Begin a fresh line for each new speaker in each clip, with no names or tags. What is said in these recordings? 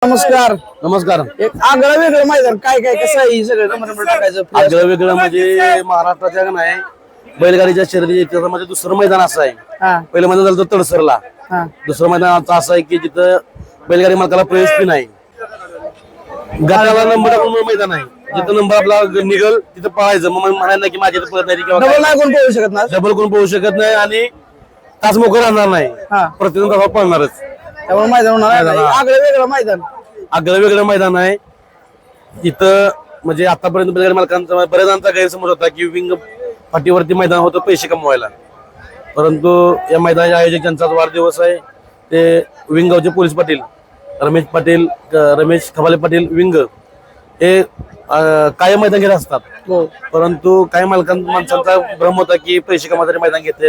नमस्कार.
नमस्कार.
एक आगळं वेगळं मैदान काय काय कसं आहे सगळं नंबर टाकायचं
आगळं वेगळं म्हणजे महाराष्ट्राच्या नाही बैलगाडीच्या शर्यती त्याच्यामध्ये दुसरं मैदान असं आहे.
हा
पहिलं मैदान झालं होतं तडसरला.
हा
दुसरं मैदान असं आहे की जिथं बैलगाडी मालकाला प्रवेश बी नाही. गाड्याला नंबर टाकून मैदान आहे जिथं नंबर आपला निघल तिथं पळायचं. मग म्हणायला नाही की माझ्या इथं पळत नाही किंवा
डबल नाही कोण पोहू शकत ना
डबल कोण पोहू शकत नाही आणि तास मोकळं राहणार नाही.
हा
प्रत्येक तास पळणारच.
त्यामुळे मैदान होणार आहे. आगळं वेगळं मैदान
आगळं वेगळं मैदान आहे. इथं म्हणजे आतापर्यंत बैलगाडी मालकांचा बऱ्याच जणांचा गैरसमज होता की विंग फाटीवरती मैदान होतं पैसे कमवायला. परंतु या मैदानाच्या आयोजक ज्यांचा वाढदिवस आहे ते विंगावचे पोलीस पाटील रमेश खबाले पाटील विंग हे कायम मैदान घेत असतात. परंतु काही माणसांचा भ्रम होता की पैसे कमावणारे मैदान घेतलेत.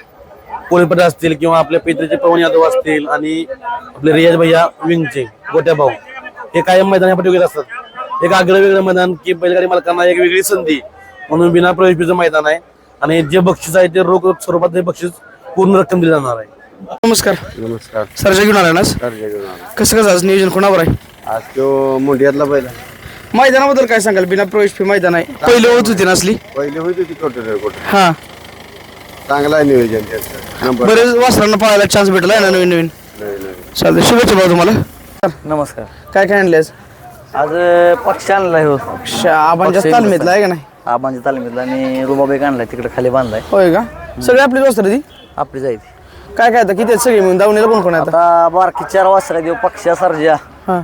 पोलीस पाटील असतील किंवा आपल्या पित्रीचे पवन यादव असतील आणि आपले रियाज भैया विंगचे गोट्या भाऊ हे कायम मैदान ह्या घेत असतात. एक आगळं वेगळं मैदान की बैलगाडी मालकांना एक वेगळी संधी म्हणून बिना प्रवेशचं मैदान आहे. आणि जे बक्षीस आहे ते रोख स्वरूपात हे बक्षीस पूर्ण रक्कम दिली जाणार आहे.
नमस्कार.
नमस्कार.
सरजा घेऊन आला ना कसं कसं आज नियोजन कोणावर आहे
आज तो मुंडियातला बैल
मैदानाबद्दल काय सांगाल बिना प्रवेश फी मैदान आहे पहिले होत होती नसली
पहिले होती ती कोट
हा
चांगला आहे नियोजन त्याचं.
बरेच वासरांना पाहायला चान्स भेटला आहे ना नवीन नवीन चालतंय शुभेच्छा भाऊ तुम्हाला.
नमस्कार.
काय काय आणले आज
आज पक्ष आणलाय हो
आबांच्या तालमीतला आहे का नाही
आबांच्या तालमीतला आणि रुबाबेक आणलाय तिकडे खाली बांधलाय.
होय का सगळी आपली वस्त्र ती
आपली जायची
काय काय आता किती आहेत सगळी म्हणून दावणीला कोण कोण आहे आता
आता बारकी 4 वासर देऊ पक्ष्या सर्जा
हा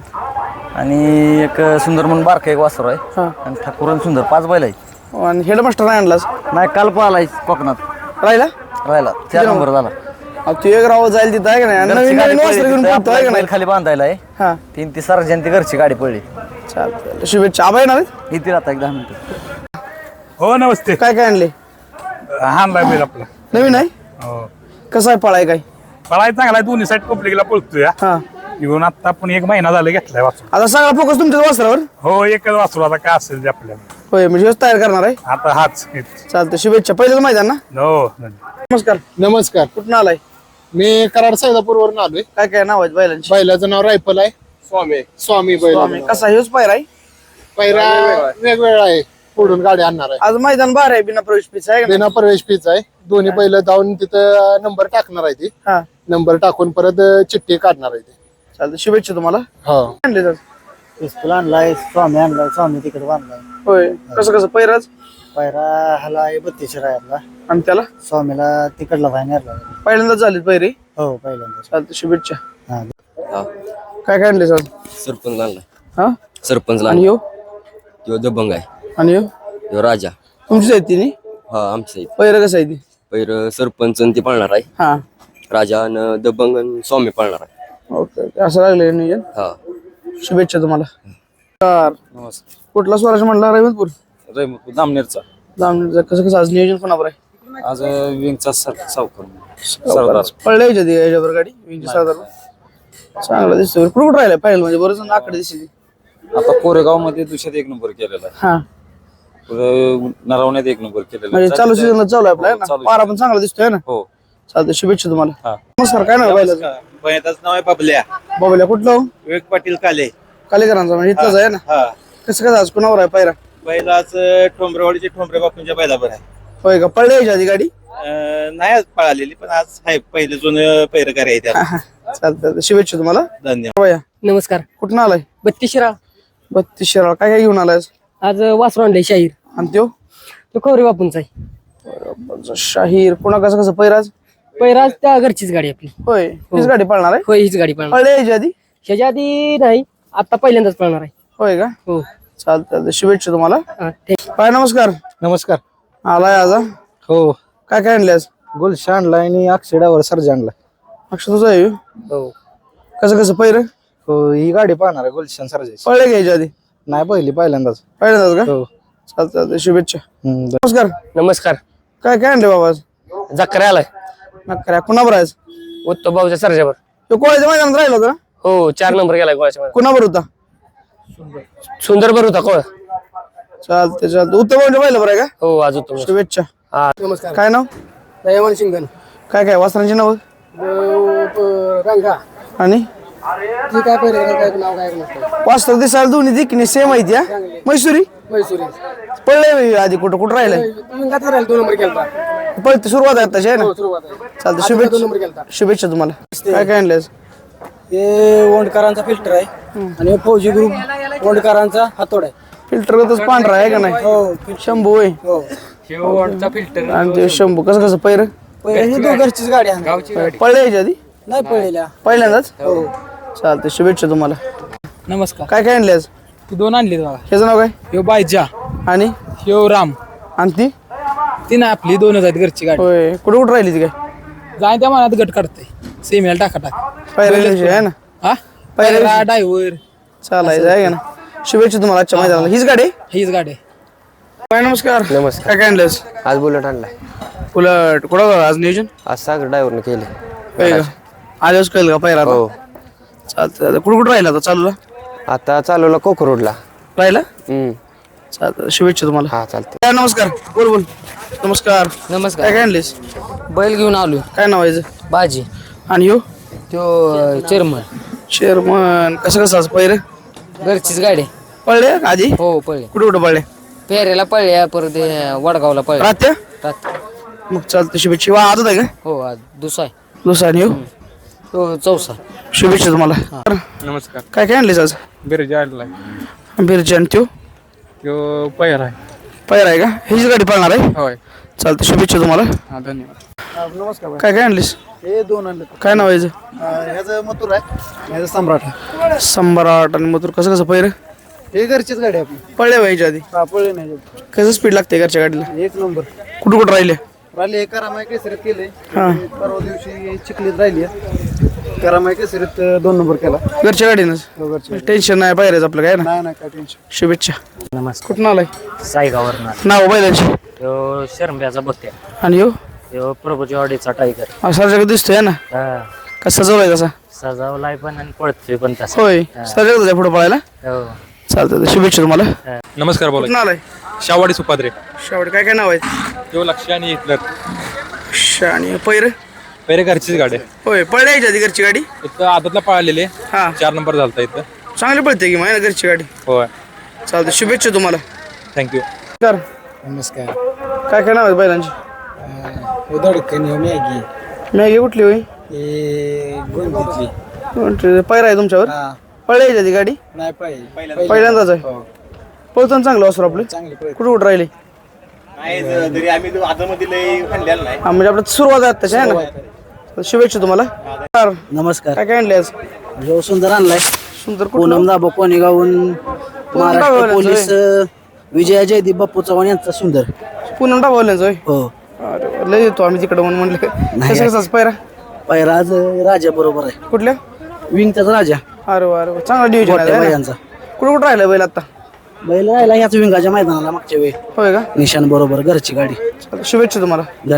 आणि एक सुंदर म्हणून बारका एक वासर आहे
हा
आणि ठाकूर आणि सुंदर 5 बैल आहेत.
आणि हेडमास्टर नाही आणलास
नाही काल पाहिलाय कोकणात
राहिला
राहिला 4 नंबर झाला.
तू एक राव जाईल तिथं आहे का नाही आणि नवीन नवीन वस्त्र घेऊन पोहतो आहे का नाही
बैल खाली बांधायला आहे.
हा
3 ती सर्जा ती घरची गाडी पडली.
चालतंय शुभेच्छा आबा येणार आहेत?
येतील आता एक 10 मिनिटं.
हो नमस्ते.
काय काय आणले
हाणलाय बैल आपला.
नवीन आहे
हो
कसं आहे पळाय काय
पळाय चांगला आहे. दोन्ही साईड पब्लिकला पळतोय.
हा
घेऊन आता आपण 1 महिना झाला घेतलाय वासरू.
आता सगळा फोकस तुमच्याच वस्त्रावर
हो एकच वासरू आता काय असेल ते आपल्याला
होय म्हणजे हेच तयार करणार आहे
आता हाच
चालतंय शुभेच्छा पहिलेच मैदान ना.
हो
नमस्कार.
नमस्कार.
कुठून आलाय
मी कराड सैदापूरवरून आलोय.
काय काय नाव आहेत बैलांची
बैलाचं नाव रायफल आहे. स्वामी बैल.
कसा हेच पायर आहे
पैरा वेगवेगळा आहे. पुढून गाडी आणणार आहे.
आज मैदान बाहेर आहे बिना प्रवेश फीस आहे का नाही?
बिना प्रवेश फीच आहे. दोन्ही बैल जाऊन तिथं नंबर टाकणार आहे ती.
हा
नंबर टाकून परत चिठ्ठी काढणार आहे ती.
चालतंय शुभेच्छा तुम्हाला.
हो
आणले तर
पिस्तूल आणलाय स्वामी आणलाय स्वामी तिकडे बांधलाय.
होय कसं कसं पैराज
पायरा हाला 32 राहिला
आणि त्याला
स्वामीला तिकडला फायनल
पहिल्यांदाच झाली पैरी.
हो पहिल्यांदा.
चालतंय शुभेच्छा.
हा
काय काय आणले सर
सरपंच आणलाय.
हा
सरपंच
आणि यो
तो दबंग आहे.
आणि यो
तो राजा.
तुमचीच आहे तिने
हा आमचं आहे.
पैर कसं आहे ती
पहिलं सरपंच आणि ते पाळणार आहे.
हा
राजा आणि दबंग आणि स्वामी पाळणार आहे.
ओके असं लागले नियोजन.
हा
शुभेच्छा तुम्हाला. कुठला स्वराज म्हणला रविंदपूर
दामनेरचा.
जामनेरचं कसं कसं आज नियोजन कोणावर आहे
आज विंगचा सावकार
पडले याच्यावर गाडी विंगी सरदार चांगला दिसतो. कुठं कुठं राहिला पाहिजे म्हणजे बरंच आकडे दिसली.
आता कोरेगाव मध्ये दुसऱ्यात 1 नंबर केलेला आहे.
हा
नरवण्यात 1 नंबर केलेला
म्हणजे चालू सीझनला चालू आहे आपला ना पारा पण चांगला दिसतोय ना.
हो
चालतंय शुभेच्छा तुम्हाला. नमस्कार. काय नाव बैलाचं
बैलाचं नाव आहे बबल्या.
बाबूला कुठलं हो?
विवेक पाटील काले.
कालेकरांचा म्हणजे इथलंच आहे ना.
हा
कसं कसं आज कोणावर आहे पायरा
बैलाच ठोंबरेवाडीचे ठोंबरे बापूंच्या बैलाबर आहे.
होय का पडले यायच्या आधी गाडी
नाही आज पळालेली पण आज आहे पहिले जुनं पैरकार आहे त्या.
चालतंय शुभेच्छा तुम्हाला.
धन्यवाद.
भैया
नमस्कार.
कुठून आलाय
32 शिराळ.
32 शिराळ काय काय घेऊन आलाय
आज वासरू आणलंय शाहीर.
आणि त्यो
तो खवरे बापूंचा आहे.
शाहीर पुन्हा कसं कसं पैराज
पैराज त्या घरचीच गाडी आपली.
होय हीच गाडी पळणार आहे.
होय हीच गाडी पळणार.
पळले यायच्या आधी
ह्याच्या आधी नाही आता पहिल्यांदाच पळणार आहे.
होय का
हो
चालतंय शुभेच्छा तुम्हाला.
हा, thank you.
काय नमस्कार.
नमस्कार.
आलाय आज हा?
हो
काय काय आणले आज
गुलशा आणलाय आणि अक्षडावर सर्जा आणलाय.
अक्षर तुझं आहे ह्यो?
हो
कसं कसं पैर
हो ही गाडी पाहणार आहे गुलशान सर्जाची.
पळले घ्यायच्या आधी
नाही पहिल्यांदाच.
पहिल्यांदाच का
हो
चालतंय शुभेच्छा. नमस्कार.
नमस्कार.
काय काय आणले बाबा आज
जकरा आलाय
नक्कऱ्या कुणाबर आहे
उत्तम भाऊच्या सर्जावर.
तो कोळ्याच्या मैदानात राहिला होता
हो 4 नंबर गेलाय गोळ्याच्या.
कुणाबर होता
सुंदर बर होता कोळ.
चालते चालते उत्तम बरोबर आहे का
हो आज उत्तम.
शुभेच्छा.
नमस्कार.
काय नाव
दयावान शिंगण.
काय काय वासरांची नाव
रंगा
आणि
ती काय पहिले काय नाव काय नसतं.
वास्तव दिसायला दोन्ही दिकने सेम आहेत या मैसुरी
मैसुरी
पडलंय आधी कुठं राहिलंय
विंगात राहिला 2 नंबर केलता.
पळते सुरुवात आहे तशी आहे ना
सुरुवात आहे.
चालतं
आता 2 नंबर केलता.
शुभेच्छा तुम्हाला काय काय आणलं
हे ओंडकरांचा फिल्टर आहे आणि फौजी ग्रुप ओंडकरांचा हातोड आहे.
फिल्टर कसं पांढरा आहे का नाही शंभू आहे आणि ते शंभू कसं पैर
पहिले ही घरचीच गाडी आहे.
पळले याच्या आधी
नाही पळलेल्या.
पहिल्यांदाच चालतं शुभेच्छा तुम्हाला
नमस्कार.
काय काय आणले आज
ती 2 आणली बघा.
ह्याचं नाव काय
ह्यो बायजा
आणि
ह्यो राम.
आणि ती
ती ना आपली 2च आहेत घरची गाडी.
होय कुठं राहिली ती काय
जाय त्या मनात गट काढते सेमीला टाका
पहिल्या आहे ना
हा
पहिल्या
पहिला ड्रायव्हर
चालायचं आहे का ना शुभेच्छा तुम्हाला आजच्या मैदानाला हीच गाडी
हीच गाडी आहे.
काय नमस्कार काय काय आणलंस
आज बुलेट आणलाय.
उलट कुठं होतं आज नियोजन
आज सागर ड्रायव्हरने केले.
होय का आजच कळेल का पहिला
हो.
चालतं कुठं राहिला आता चालूला
आता चालवला कोको रोडला.
राहिला चालतं शुभेच्छा तुम्हाला
हा चालते.
काय नमस्कार बोल नमस्कार
नमस्कार.
काय काय आणलीस
बैल घेऊन आलो.
काय नाव आहे
बाजी
आणि हो
तो चेअरमन.
शेरमन कसं आज पहिरे
घरचीच गाडी आहे.
पळले आधी
हो पळले.
कुठे पळले
पेरेला पळले परत वडगावला पळले.
राहत्या
रात-
मग चालतं शुभेच्छा वा आजच आहे का
हो आज दुसरा आहे.
दुसरा आणि हो
तो चौसा.
शुभेच्छा तुम्हाला
नमस्कार.
काय काय आणलीस आज
बिरजा आणलाय.
बिरची आणि त्यो
तो पैर आहे.
पहिरा आहे का हीच गाडी पळणार आहे
होय.
चालतं शुभेच्छा तुम्हाला
हा धन्यवाद.
काय काय आणलीस
हे 2 आणले.
काय नाव आहे
ह्याचं मथुर आहे. ह्याचं सम्राट आहे.
सम्राट आणि मथुर कसं पहिरं
हे घरचीच गाडी आहे आपली.
पळले व्हायच्या आधी
पळले नाही
कसं स्पीड लागते घरच्या गाडीला
1 नंबर.
कुठं राहिले
राहिले हे करामाय केसरीत केले.
हा
परवा दिवशी चिखलीत राहिली. करामाय केसरीत 2 नंबर केला.
घरच्या गाडीनंच टेन्शन नाही पाहिजे आपलं काय ना
नाही नाही काय टेन्शन.
शुभेच्छा
नमस्कार.
कुठून आलाय
साईगावरनं.
नाव बैलांची
तो शर्म्याचा बघते.
आणि हो
तो प्रभूची ऑडीचा टायगर.
सारखं दिसतोय ना कसा सजवलाय कसा
सजावलाय पण आणि पळतोय पण तसा.
होय सारखं पुढे पळायला
हो.
चालतं शुभेच्छा तुम्हाला
नमस्कार बोला.
कुठून आलाय
शावाडी सुपाद्रे.
शेवट काय काय नाव आहे
तो लक्ष आणि हिटलर.
आणि पैर
पहिले घरचीच गाडी आहे.
होय पळले यायच्या आधी घरची गाडी
इथं आदतला पळालेले
हा
4 नंबर झालता इथं.
चांगली पळते की माहिती घरची गाडी
होय.
चालतं शुभेच्छा तुम्हाला
थँक्यू.
तर
नमस्कार.
काय काय नाव आहे बैलांची
धडकन मॅगी.
मॅगी कुठली होई
हे गोंदीतली.
पैरा आहे तुमच्यावर पळले यायच्या आधी गाडी
नाही पाहिजे.
पहिल्यांदाच आहे पळतो चांगलं असं आपलं
चांगली
कुठं राहिले
तरी आम्ही आतमध्ये लय खाल्लेला नाही.
हा म्हणजे आपलं सुरुवात आहे तशी आहे ना शुभेच्छा तुम्हाला तर
नमस्कार.
काय काय आणले आज
जो सुंदर आणलाय.
सुंदर
पूनम दाबो कोणेगावून महाराष्ट्र
डाबवल्यांचं
पोलीस विजय जयदीप बाप्पू चव्हाण यांचा सुंदर.
पुन्हा डाबवल्यांचं होय
हो.
अरे लय येतो आम्ही तिकडे म्हणून म्हणलं कसं कसं पैरा
पैराज राजा बरोबर आहे.
कुठल्या
विंगचाच राजा.
अरे वा चांगला डिव्हिजन
मोठ्या
आहे
बैलांचा.
कुठं कुठं राहिलं बैल आता
बैल राहिला ह्याच विंगाच्या मैदानाला मागच्या वेळी
होय का
निशान बरोबर घरची गाडी.
शुभेच्छा तुम्हाला